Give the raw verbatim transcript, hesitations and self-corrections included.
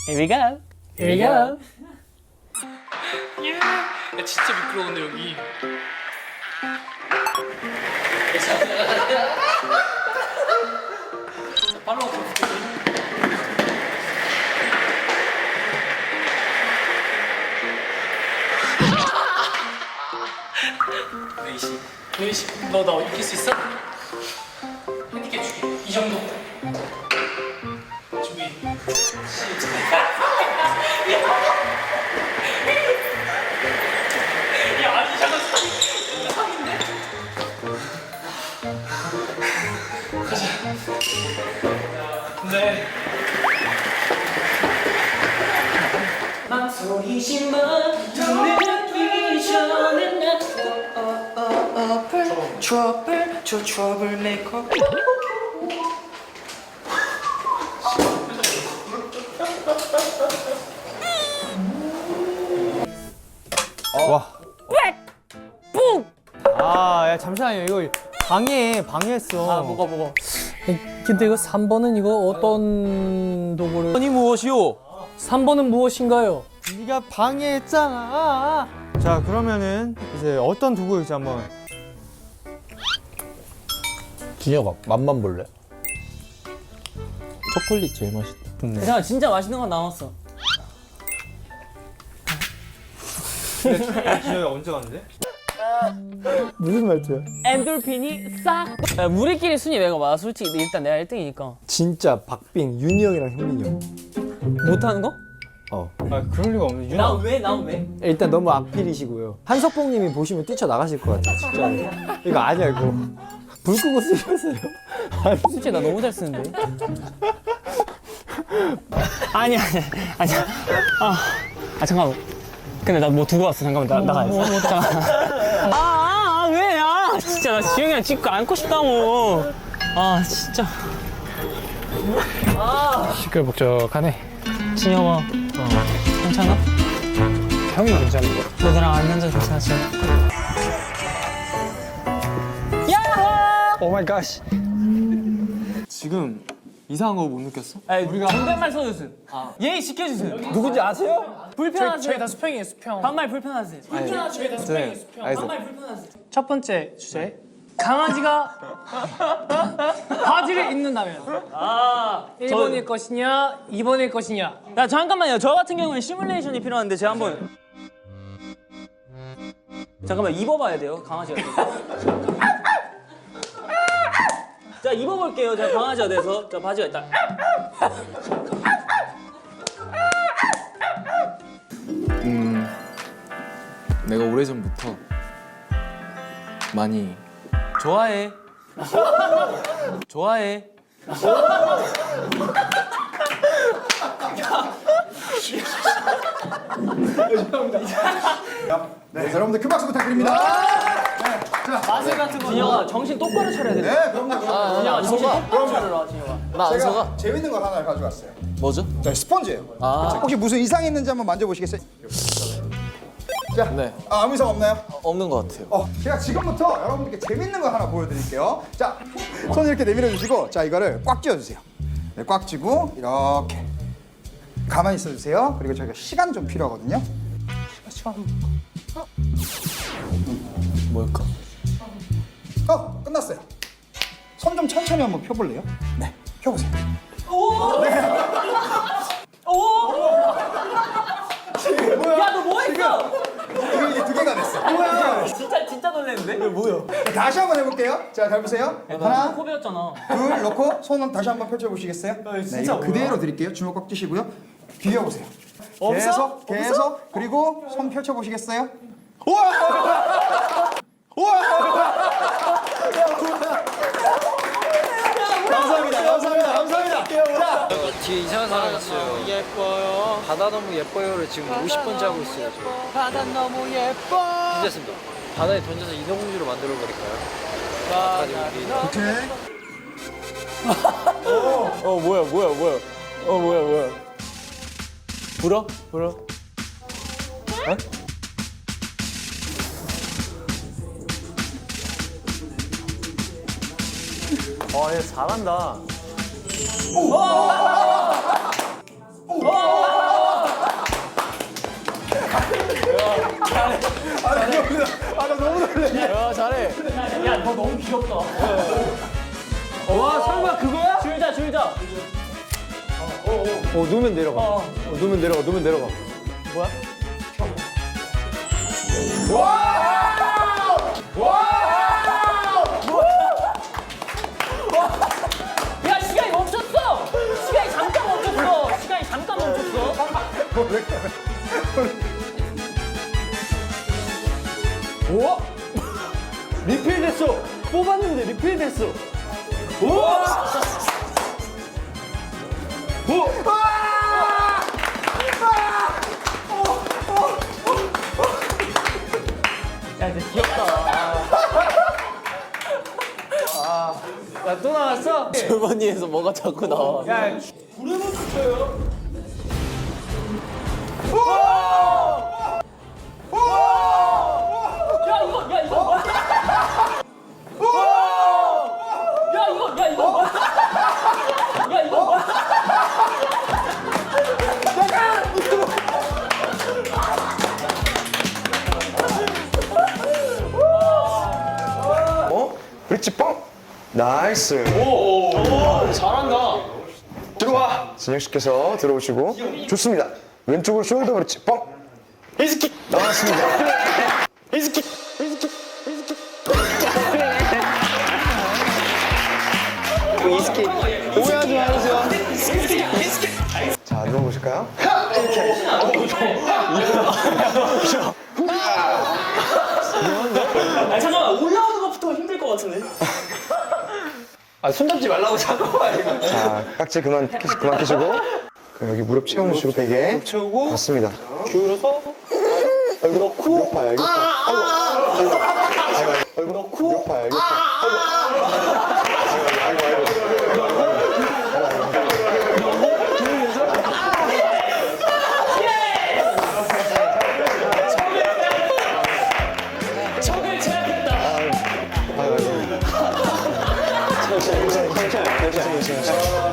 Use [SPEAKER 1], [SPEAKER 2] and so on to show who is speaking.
[SPEAKER 1] Here we go. Here we go.
[SPEAKER 2] 야 진짜 미끄러운데 여기. 팔로우 부탁드려. 네이씨, 네이씨, 너 나 이길 수 있어? 핸디캡 줄게. 이 정도. 준비. 시작. 야, 아니 잠깐 상인데? 가자. 네. 망설이지만 듣기 전에 나
[SPEAKER 3] 트러블 저 트러블 메이커.
[SPEAKER 4] 와. 아, 야, 잠시만요. 이거 방해, 방해했어.
[SPEAKER 1] 아, 뭐가 뭐가. 근데 이거 삼 번은 이거 어떤 도구를?
[SPEAKER 4] 아니 무엇이오?
[SPEAKER 1] 삼 번은 무엇인가요?
[SPEAKER 4] 네가 방해했잖아. 자, 그러면은 이제 어떤 도구일지 한번.
[SPEAKER 5] 준혁아 맛만 볼래? 초콜릿 제일 맛있다.
[SPEAKER 1] 잠깐 진짜 맛있는 건 나왔어.
[SPEAKER 4] 준혁이 언제 갔는데?
[SPEAKER 5] 무슨 말투야?
[SPEAKER 1] 엔돌핀이 싹. 야, 우리끼리 순위 매가 많아. 솔직히 일단 내가 일 등이니까.
[SPEAKER 5] 진짜 박빙, 윤이 형이랑 형민이 형.
[SPEAKER 1] 못하는 거?
[SPEAKER 5] 어.
[SPEAKER 4] 아, 그럴 리가 없네.
[SPEAKER 1] 나
[SPEAKER 4] 유나.
[SPEAKER 1] 왜? 나 왜?
[SPEAKER 5] 일단 너무 악필이시고요. 한석봉님이 보시면 뛰쳐나가실 것 같아 진짜. 이거 아니야 이거. 불 끄고 쓰셨어요?
[SPEAKER 1] 솔직히 나 너무 잘 쓰는데. 아니 아니 아니. 아, 아 잠깐만. 근데 나 뭐 두고 왔어. 잠깐만 나 나가야지. 뭐, 뭐, 잠깐만. 아, 아, 아 왜? 아 진짜 나 지영이랑 찍고 안고 싶다고. 아 진짜. 아 시끌벅적하네. 진영아. 어. 괜찮아? 형이 괜찮은 거. 너 나랑 안 앉아서 괜찮았어. 야호!
[SPEAKER 5] 오 마이 갓.
[SPEAKER 4] 지금 이상한 거 못 느꼈어?
[SPEAKER 1] 아니, 우리가 존댓말 써주세요. 아. 예의 지켜주세요.
[SPEAKER 5] 누군지 아세요?
[SPEAKER 1] 불편하세요.
[SPEAKER 2] 저희 다 수평이에요 수평.
[SPEAKER 1] 반말 불편하세요. 불편하세요.
[SPEAKER 2] 저희 다 수평이에요 수평.
[SPEAKER 5] 알겠어.
[SPEAKER 1] 반말 불편하세요.
[SPEAKER 2] 첫 번째 주제 강아지가 바지를 입는다면
[SPEAKER 1] 아,
[SPEAKER 2] 일 번일 것이냐 이 번일 것이냐.
[SPEAKER 1] 야 잠깐만요. 저 같은 경우는 시뮬레이션이 필요한데 제가 한번 잠깐만 입어봐야 돼요. 강아지가 돼서. 자 입어볼게요. 제가 강아지가 돼서 자 바지가 있다.
[SPEAKER 6] 음, 내가 오래전부터 많이
[SPEAKER 1] 좋아해. 좋아해.
[SPEAKER 7] 네, 여러분들 큰 박수 부탁드립니다.
[SPEAKER 1] 마술 같은 거. 진영아 정신 똑바로 차려야 돼.
[SPEAKER 7] 네, 그럼요.
[SPEAKER 1] 진영아 정신 똑바로 차려라. 진영아.
[SPEAKER 6] 나 안
[SPEAKER 7] 제가
[SPEAKER 6] 속아?
[SPEAKER 7] 재밌는 걸 하나 가져왔어요.
[SPEAKER 6] 뭐죠?
[SPEAKER 7] 자, 스펀지예요.
[SPEAKER 6] 아,
[SPEAKER 7] 혹시 무슨 이상 있는지 한번 만져보시겠어요? 자,
[SPEAKER 6] 네.
[SPEAKER 7] 아, 아무 이상 없나요?
[SPEAKER 6] 없는 것 같아요.
[SPEAKER 7] 어, 제가 지금부터 여러분들께 재밌는 거 하나 보여드릴게요. 자, 손 이렇게 내밀어 주시고, 자, 이거를 꽉 쥐어주세요. 네, 꽉 쥐고 이렇게 가만히 있어주세요. 그리고 저희가 시간 좀 필요하거든요.
[SPEAKER 6] 뭘까?
[SPEAKER 7] 어, 끝났어요. 손 좀 천천히 한번 펴볼래요? 네, 펴보세요.
[SPEAKER 1] 야 너 뭐했어?
[SPEAKER 7] 지금 이게 두 개가 됐어. 뭐야?
[SPEAKER 1] 진짜 진짜 놀랐는데? 뭐야?
[SPEAKER 7] 다시 한번 해볼게요. 자, 잘 보세요. 하나,
[SPEAKER 1] 코 베었잖아.
[SPEAKER 7] 둘 넣고 손 다시 한번 펼쳐보시겠어요? 네, 이거 그대로 드릴게요. 주먹 꽉 쥐시고요. 비벼보세요. 계속, 계속. 그리고 손 펼쳐보시겠어요? 우와! 우와! 감사합니다. 감사합니다. 감사합니다.
[SPEAKER 3] 뒤에 이상한 사람 있어요. 예뻐요. 바다 너무 예뻐요를 지금 오십 번째 하고 있어요. 지금.
[SPEAKER 1] 바다 너무 예뻐.
[SPEAKER 3] 괜찮습니다. 바다에 던져서 인어공주로 만들어 버릴까요? 바다에 우리
[SPEAKER 7] 오케이.
[SPEAKER 5] 어 뭐야 뭐야 뭐야. 어 뭐야 뭐야. 불어? 불어? 어? 어, 얘 잘한다.
[SPEAKER 7] 오!
[SPEAKER 3] 야 잘해.
[SPEAKER 2] 야, 너 너무 귀엽다.
[SPEAKER 3] 와 설마 그거야?
[SPEAKER 2] 줄자, 줄자.
[SPEAKER 5] 어 누우면 내려가. 어 누우면 내려가. 누우면 내려가.
[SPEAKER 2] 야, 시간이 멈췄어. 시간이 잠깐 멈췄어. 시간이 잠깐 멈췄어.
[SPEAKER 3] 우와! 리필 됐어. 뽑았는데 리필 됐어. 우와!
[SPEAKER 2] 야, 근데 귀엽다.
[SPEAKER 3] 야 또 나왔어?
[SPEAKER 6] 주머니에서 뭐가 자꾸 나와.
[SPEAKER 3] 야
[SPEAKER 2] 야, 이거, 야, 이거 뭐야? 야, 이거, 야, 이거 뭐야? 야, 이거 뭐야?
[SPEAKER 8] 브릿지 뻥! 나이스.
[SPEAKER 2] 잘한다.
[SPEAKER 8] 들어와. 진혁 씨께서 들어오시고 좋습니다. 왼쪽으로 숄더 브릿지 뻥. 히스킥 나왔습니다. 히스킥. 히스킥. 히스킥. 히스킥. 오해하지 마세요. 자 눌러보실까요?
[SPEAKER 2] 아, 잠깐만. 올라오는 것부터 힘들 것 같은데.
[SPEAKER 3] 아, 손잡지 말라고 자꾸 봐 이거.
[SPEAKER 8] 자 깍지 그만 끼시, 그만 끼시고 그럼 여기 무릎 채워주시고 베개
[SPEAKER 3] 채우고
[SPEAKER 8] 맞습니다.
[SPEAKER 3] 기울여서
[SPEAKER 8] 얼굴 넣고 이거 봐요 이거 봐. 아이고 아이고 아이고 아이고 얼굴 넣고 이거 봐요 이거 봐. 아이고 아이고 아이고
[SPEAKER 2] 적을 제압했다.
[SPEAKER 8] 아이고 아이고 괜찮아 괜찮아 괜찮아 괜찮아